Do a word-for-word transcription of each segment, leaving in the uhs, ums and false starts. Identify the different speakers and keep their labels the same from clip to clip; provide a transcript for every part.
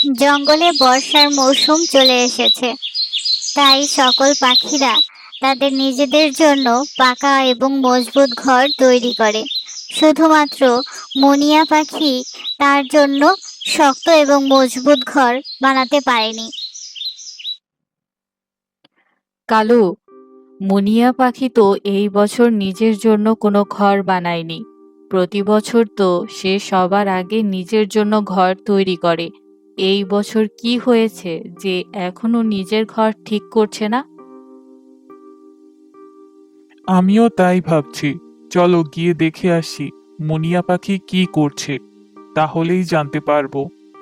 Speaker 1: জঙ্গলে বর্ষার মৌসুম চলে এসেছে, তাই সকল পাখিরা তাদের নিজেদের জন্য পাকা এবং মজবুত ঘর তৈরি করে। শুধুমাত্র মুনিয়া পাখি তার জন্য শক্ত এবং মজবুত ঘর বানাতে পারেনি।
Speaker 2: কালু, মুনিয়া পাখি তো এই বছর নিজের জন্য কোনো ঘর বানায়নি। প্রতি বছর তো সে সবার আগে নিজের জন্য ঘর তৈরি করে। এই বছর কি হয়েছে যে এখনো নিজের ঘর ঠিক করছে না?
Speaker 3: আমিও তাই ভাবছি। চলো গিয়ে দেখে আসি মুনিয়া পাখি কি করছে, তাহলেই জানতে পারবো।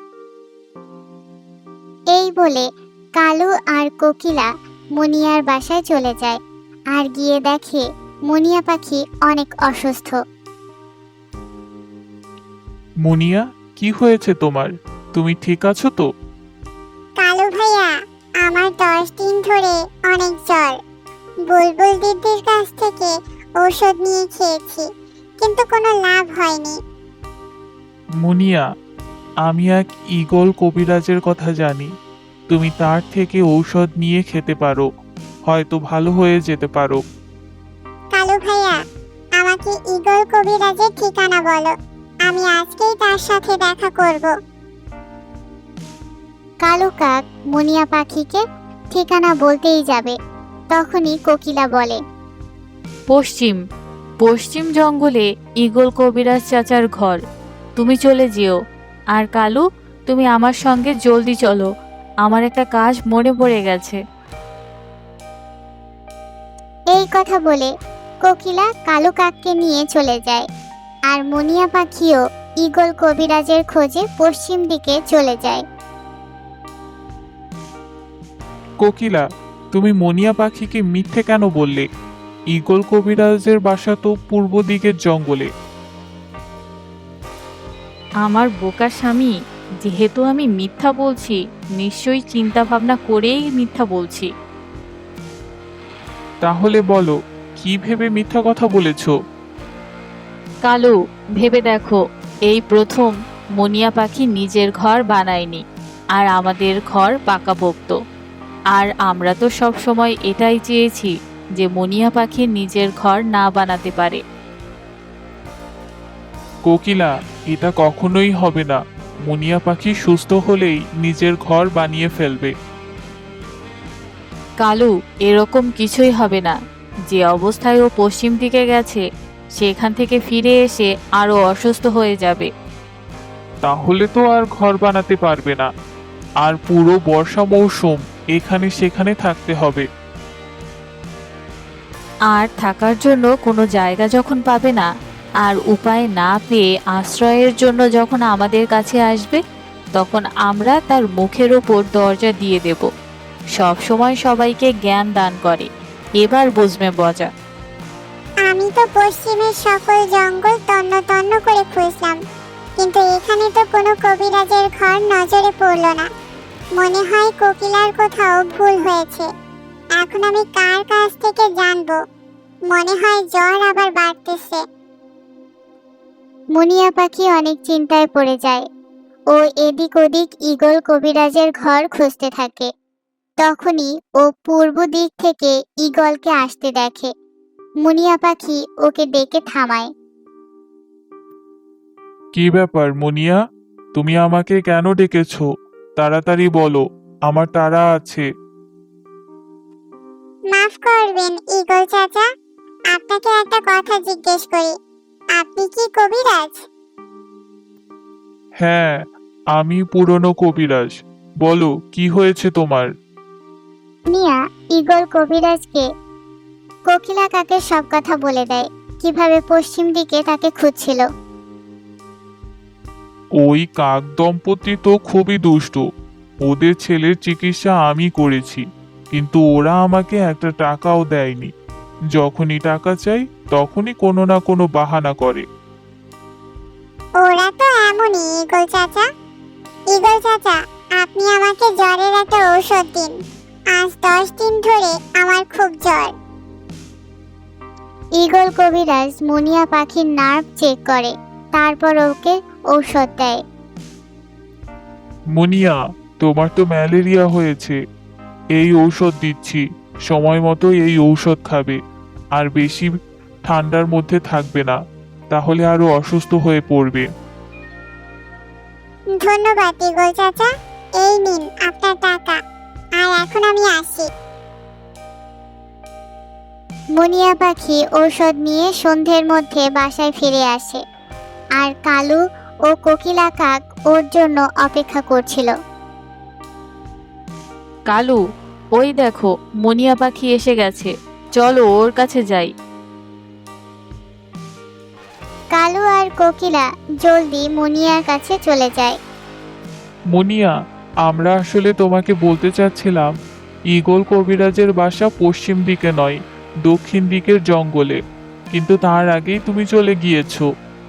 Speaker 1: এই বলে কালু আর কোকিলা মুনিয়ার বাসায় চলে যায় আর গিয়ে দেখে মুনিয়া পাখি অনেক অসুস্থ।
Speaker 3: মুনিয়া, কি হয়েছে তোমার? তুমি ঠিক আছো তো?
Speaker 1: কালু ভাইয়া, আমার দশ দিন ধরে অনেক জ্বর। বুলবুল দিদির কাছ থেকে ঔষধ নিয়ে খেয়েছি, কিন্তু কোনো লাভ হয়নি।
Speaker 3: মুনিয়া, আমি এক ঈগল কবিরাজের কথা জানি। তুমি তার থেকে ঔষধ নিয়ে খেতে পারো, হয়তো ভালো হয়ে যেতে পারো।
Speaker 1: কালু ভাইয়া, আমাকে ঈগল কবিরাজের ঠিকানা বলো, আমি আজকেই তার সাথে দেখা করব। কালু কাক মুনিয়া পাখিকে ঠিকানা বলতেই যাবে, তখনই কোকিলা বলে,
Speaker 2: পশ্চিম পশ্চিম জঙ্গলে ঈগল কবিরাজ চাচার ঘর। তুমি চলে যেও। আর কালু, তুমি আমার সঙ্গে জলদি চলো, আমার একটা কাজ মনে পড়ে গেছে।
Speaker 1: এই কথা বলে কোকিলা কালু কাককে নিয়ে চলে যায়, আর মুনিয়া পাখিও ঈগল কবিরাজের খোঁজে পশ্চিম দিকে চলে যায়।
Speaker 3: কোকিলা, তুমি মুনিয়া পাখিকে মিথ্যে কেন বললে? ঈগল কবিরাজের বাসা তো পূর্ব দিকের জঙ্গলে।
Speaker 2: আমার বোকা স্বামী, যেহেতু আমি মিথ্যা বলছি, নিশ্চয়ই চিন্তা ভাবনা করেই মিথ্যা বলছি।
Speaker 3: তাহলে বলো, কি ভেবে মিথ্যা কথা বলেছো?
Speaker 2: কালু, ভেবে দেখো, এই প্রথম মুনিয়া পাখি নিজের ঘর বানায়নি, আর আমাদের ঘর পাকাপোক্ত। আর আমরা তো সব সময় এটাই চেয়েছি যে মুনিয়া পাখি নিজের ঘর না বানাতে পারে।
Speaker 3: কোকিলা, এটা কখনোই হবে না। মুনিয়া পাখি সুস্থ হলেই নিজের ঘর বানিয়ে ফেলবে।
Speaker 2: কালু, এরকম কিছুই হবে না। যে অবস্থায় ও পশ্চিম দিকে গেছে, সেখান থেকে ফিরে এসে আরো অসুস্থ হয়ে যাবে।
Speaker 3: তাহলে তো আর ঘর বানাতে পারবে না, আর পুরো বর্ষা মৌসুম এখানে সেখানে থাকতে হবে।
Speaker 2: আর থাকার জন্য কোনো জায়গা যখন পাবে না, আর উপায় না পেয়ে আশ্রয়ের জন্য যখন আমাদের কাছে আসবে, তখন আমরা তার মুখের ওপর দরজা দিয়ে দেব। সব সময় সবাইকে জ্ঞান দান করে, এবার বুঝবে মজা।
Speaker 1: আমি তো পশ্চিমের সকল জঙ্গল তন্ন তন্ন করে খুঁজলাম, কিন্তু এখানে তো কোনো কবিরাজের ঘর নজরে পড়ল না। মনে হয় কোকিলার কোথাও ভুল হয়েছে। এখন আমি কার কাছ থেকে জানবো? মনে হয় জ্বর আবার বাড়তেছে। মুনিয়া পাখি অনেক চিন্তায় পড়ে যায়। ও এদিক ওদিক ঈগল কবিরাজের ঘর খুঁজতে থাকে। তখনই ও পূর্ব দিক থেকে ঈগলকে আসতে দেখে। মুনিয়া পাখি ওকে ডেকে থামায়।
Speaker 3: কি ব্যাপার মুনিয়া, তুমি আমাকে কেন ডেকেছো? তাড়াতাড়ি বলো, আমার তাড়া আছে।
Speaker 1: মাফ করবেন ঈগল চাচা, আপনাকে একটা কথা জিজ্ঞেস করি, আপনি কি কবিরাজ?
Speaker 3: হ্যাঁ, আমি পুরনো কবিরাজ। বলো, কি হয়েছে তোমার?
Speaker 1: মিয়া ঈগল কবিরাজকে কোকিলা কাকের সব কথা বলে দেয়, কিভাবে পশ্চিম দিকে তাকে খুঁজছিল।
Speaker 3: ওই কাক দম্পতি তো খুবই দুষ্টু। ওদের ছেলের চিকিৎসা আমি করেছি, কিন্তু ওরা আমাকে একটা টাকাও দেয়নি। যখনই টাকা চাই তখনই কোনো না কোনো বাহানা করে।
Speaker 1: ওরা তো এমনই ঈগল চাচা। ঈগল চাচা, আপনি আমাকে জ্বরের একটা ঔষধ দিন। আজ দশ দিন ধরে আমার খুব জ্বর। ঈগল কবিরাজ মুনিয়া পাখির নার্ভ চেক করে, তারপর ওকে ঔষধ দেয়।
Speaker 3: মুনিয়া, তোমার তো ম্যালেরিয়া হয়েছে। এই ঔষধ দিচ্ছি, সময় মতো এই ঔষধ খাবে। আর বেশি ঠান্ডার মধ্যে থাকবে না, তাহলে আরো অসুস্থ হয়ে পড়বে।
Speaker 1: ধন্যবাদ ইগল চাচা, এই নিন আপনার টাকা। আর এখন আমি আসি। মুনিয়া পাখি ঔষধ নিয়ে সন্ধ্যের মধ্যে বাসায় ফিরে আসে, আর কালু ও কোকিলা কাক ওর জন্য অপেক্ষা করছিল।
Speaker 2: কালু, ওই দেখো মুনিয়া পাখি এসে গেছে, চলো ওর কাছে যাই।
Speaker 1: কালু আর কোকিলা জলদি মুনিয়ার কাছে চলে যায়।
Speaker 3: মুনিয়া, আমরা আসলে তোমাকে বলতে চাচ্ছিলাম, ঈগল কবিরাজের বাসা পশ্চিম দিকে নয়, দক্ষিণ দিকের জঙ্গলে, কিন্তু তার আগেই তুমি চলে গিয়েছো।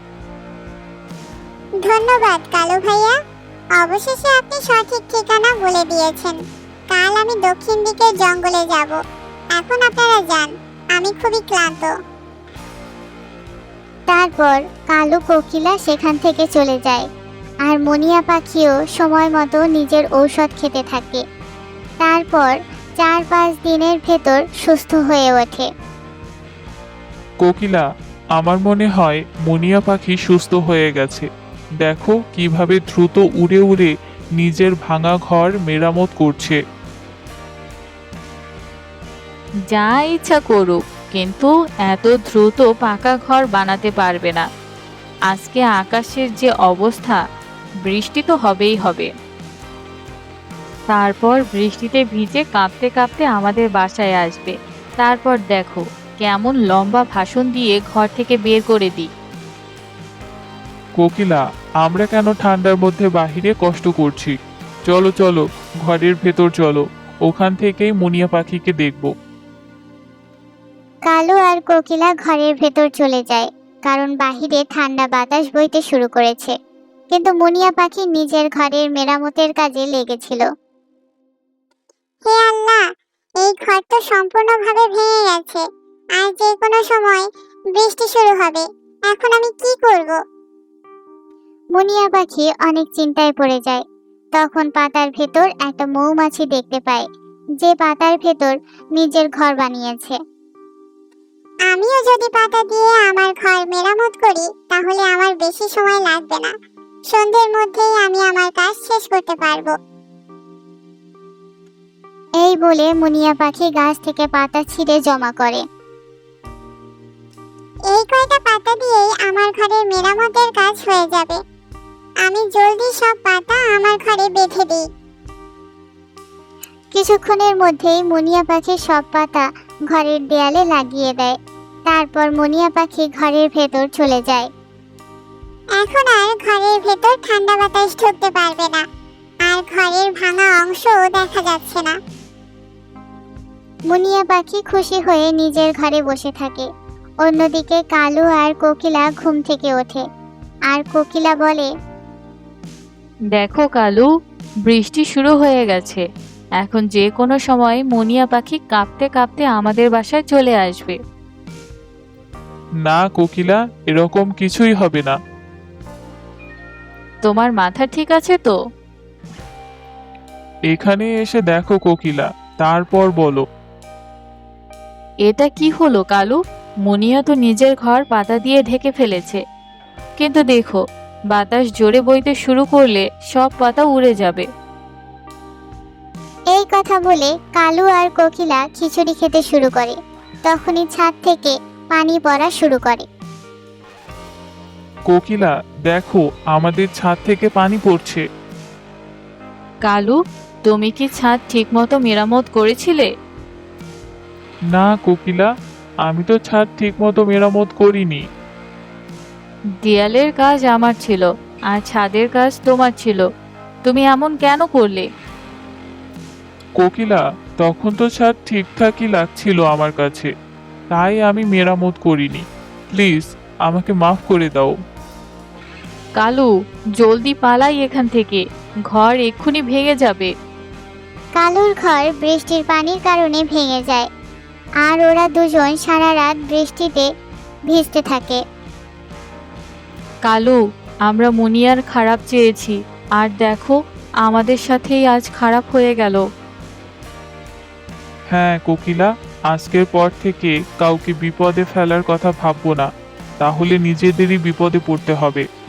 Speaker 1: ধন্যবাদ কালু ভাইয়া, অবশেষে আপনি সঠিক ঠিকানা বলে দিয়েছেন। কাল আমি দক্ষিণ দিকের জঙ্গলে যাব। এখন আপনারা যান, আমি খুবই ক্লান্ত। তারপর কালু কোকিলা সেখান থেকে চলে যায়, আর মুনিয়া পাখিও সময় মতো নিজের ঔষধ খেতে থাকে। তারপর চার পাঁচ দিনের ভেতর সুস্থ হয়ে ওঠে।
Speaker 3: কোকিলা, আমার মনে হয় মুনিয়া পাখি সুস্থ হয়ে গেছে। দেখো কিভাবে দ্রুত উড়ে উড়ে নিজের ভাঙা ঘর মেরামত করছে।
Speaker 2: যা ইচ্ছা করুক, কিন্তু এত দ্রুত পাকা ঘর বানাতে পারবে না। আজকে আকাশের যে অবস্থা, বৃষ্টি তো হবেই হবে। তারপর বৃষ্টিতে ভিজে কাঁপতে কাঁপতে আমাদের বাসায় আসবে। তারপর দেখো কেমন লম্বা ভাষণ দিয়ে ঘর থেকে বের করে দিই।
Speaker 3: কোকিলা, আমরা কেন ঠান্ডার মধ্যে বাহিরে কষ্ট করছি? চলো চলো, ঘরের ভেতর চলো, ওখান থেকেই মুনিয়া পাখিকে দেখব।
Speaker 1: কালু আর কোকিলা ঘরের ভেতর চলে যায়, কারণ বাহিরে ঠান্ডা বাতাস বইতে শুরু করেছে। কিন্তু মুনিয়া পাখি নিজের ঘরের মেরামতের কাজে লেগেছিল। হে আল্লাহ, এই ঘর তো সম্পূর্ণভাবে ভেঙে গেছে, আর যে কোনো সময় বৃষ্টি শুরু হবে। এখন আমি কি করব? মুনিয়া পাখি অনেক চিন্তায় পড়ে যায়। তখন পাতার ভেতর একটা মৌমাছি দেখতে পায়, যে পাতার ভেতর নিজের ঘর বানিয়েছে। আমিও যদি পাতা দিয়ে আমার ঘর মেরামত করি, তাহলে আমার বেশি সময় লাগবে না। সন্ধ্যের মধ্যেই আমি আমার কাজ শেষ করতে পারবো। এই বলে মুনিয়া পাখি গাছ থেকে পাতা ছিঁড়ে জমা করে। এই কয়টা পাতা দিয়েই আমার ঘরের মেরামতের কাজ হয়ে যাবে। আমি জলদি সব পাতা আমার ঘরে বেঁধে দিই। কিছুক্ষণের মধ্যেই মুনিয়া পাখি সব পাতা ঘরের দেয়ালে লাগিয়ে দেয়। তারপর মুনিয়া পাখি ঘরের ভেতর চলে যায়। এখন আর ঘরের ভেতর ঠান্ডা বাতাস ঢুকতে পারবে না, আর ঘরের ভাঙা অংশও দেখা যাচ্ছে না। মুনিয়া পাখি খুশি হয়ে নিজের ঘরে বসে থাকে। অন্যদিকে কালু আর কোকিলা ঘুম থেকে ওঠে, আর কোকিলা বলে,
Speaker 2: দেখো কালু, বৃষ্টি শুরু হয়ে গেছে। এখন যে কোনো সময় মুনিয়া পাখি কাঁপতে কাঁপতে আমাদের বাসায় চলে আসবে।
Speaker 3: না কোকিলা, এরকম কিছুই হবে না।
Speaker 2: তোমার মাথা ঠিক আছে তো?
Speaker 3: এখানে এসে দেখো কোকিলা, তারপর বলো।
Speaker 2: এটা কি হলো কালু? মুনিয়া তো নিজের ঘর পাতা দিয়ে ঢেকে ফেলেছে, কিন্তু দেখো বাতাস জোরে বইতে শুরু করলে সব পাতা উড়ে যাবে।
Speaker 1: এই কথা বলে কালু আর কোকিলা খিচুড়ি খেতে শুরু করে। তখনই ছাদ থেকে পানি পড়া শুরু করে।
Speaker 3: কোকিলা, দেখো আমাদের ছাদ থেকে পানি পড়ছে।
Speaker 2: কালু, তুমি কি ছাদ ঠিকমতো মেরামত করেছিলে?
Speaker 3: না কোকিলা, আমি তো ছাদ ঠিকমতো মেরামত করিনি।
Speaker 2: দেয়ালের কাজ আমার ছিল, আর ছাদের কাজ তোমার ছিল। তুমি এমন কেন করলে?
Speaker 3: কোকিলা, তখন তো ছাদ ঠিকঠাকই লাগছিল আমার কাছে, তাই আমি মেরামত করিনি। প্লিজ আমাকে মাফ করে দাও।
Speaker 2: কালু, জলদি পালাই এখান থেকে, ঘর এক্ষুনি ভেঙে যাবে।
Speaker 1: কালুর ঘর বৃষ্টির পানির কারণে ভেঙে যায়, আর ওরা দুজন সারা রাত বৃষ্টিতে ভিজতে থাকে।
Speaker 2: কালু, আমরা মুনিয়ার খারাপ চেয়েছি, আর দেখো আমাদের সাথেই আজ খারাপ হয়ে গেল।
Speaker 3: হ্যাঁ কোকিলা, আজকের পর থেকে কাউকে বিপদে ফেলার কথা ভাববো না, তাহলে নিজেদেরই বিপদে পড়তে হবে।